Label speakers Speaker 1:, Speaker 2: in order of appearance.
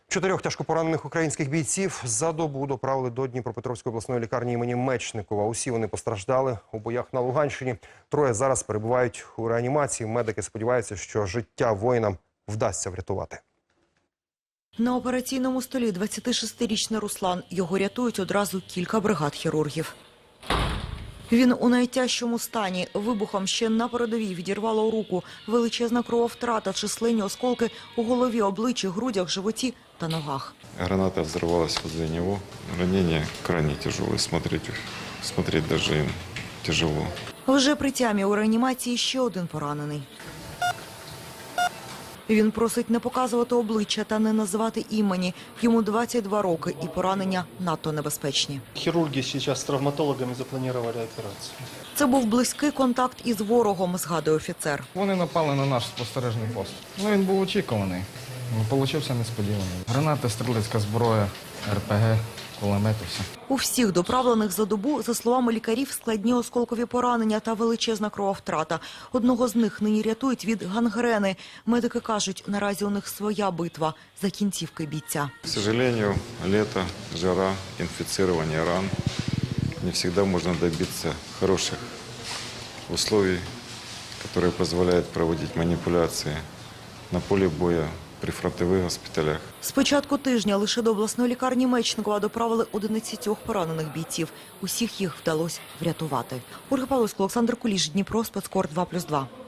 Speaker 1: 4 тяжкопоранених українських бійців за добу доправили до Дніпропетровської обласної лікарні імені Мечникова. Усі вони постраждали у боях на Луганщині. 3 зараз перебувають у реанімації. Медики сподіваються, що життя воїнам вдасться врятувати.
Speaker 2: На операційному столі 26-річний Руслан. Його рятують одразу кілька бригад хірургів. Він у найтяжчому стані. Вибухом ще на передовій відірвало руку. Величезна крововтрата, численні осколки у голові, обличчі, грудях, животі та ногах.
Speaker 3: Граната взорвалась возле него. Ранение крайне тяжелое. Смотреть даже им тяжело.
Speaker 2: Вже при тямі у реанімації ще один поранений. Він просить не показувати обличчя та не називати імені. Йому 22 роки і поранення надто небезпечні.
Speaker 4: Хірурги зараз з травматологами запланували операцію.
Speaker 2: Це був близький контакт із ворогом, згадує офіцер.
Speaker 5: Вони напали на наш спостережний пост. Він був очікуваний. Получився несподіваний. Гранати, стрілецька зброя, РПГ, кулемети, все.
Speaker 2: У всіх доправлених за добу, за словами лікарів, складні осколкові поранення та величезна крововтрата. Одного з них нині рятують від гангрени. Медики кажуть, наразі у них своя битва за кінцівки бійця.
Speaker 3: К сожалению, лето, жара, инфицирование ран. Не всегда можно добиться хороших условий, которые позволяют проводить манипуляции на поле боя, при фронтових госпіталях.
Speaker 2: З початку тижня лише до обласної лікарні Мечникова доправили 11 поранених бійців. Усіх їх вдалося врятувати. Ольга Павловська, Олександр Куліш, Дніпро, Спецкор 2+2.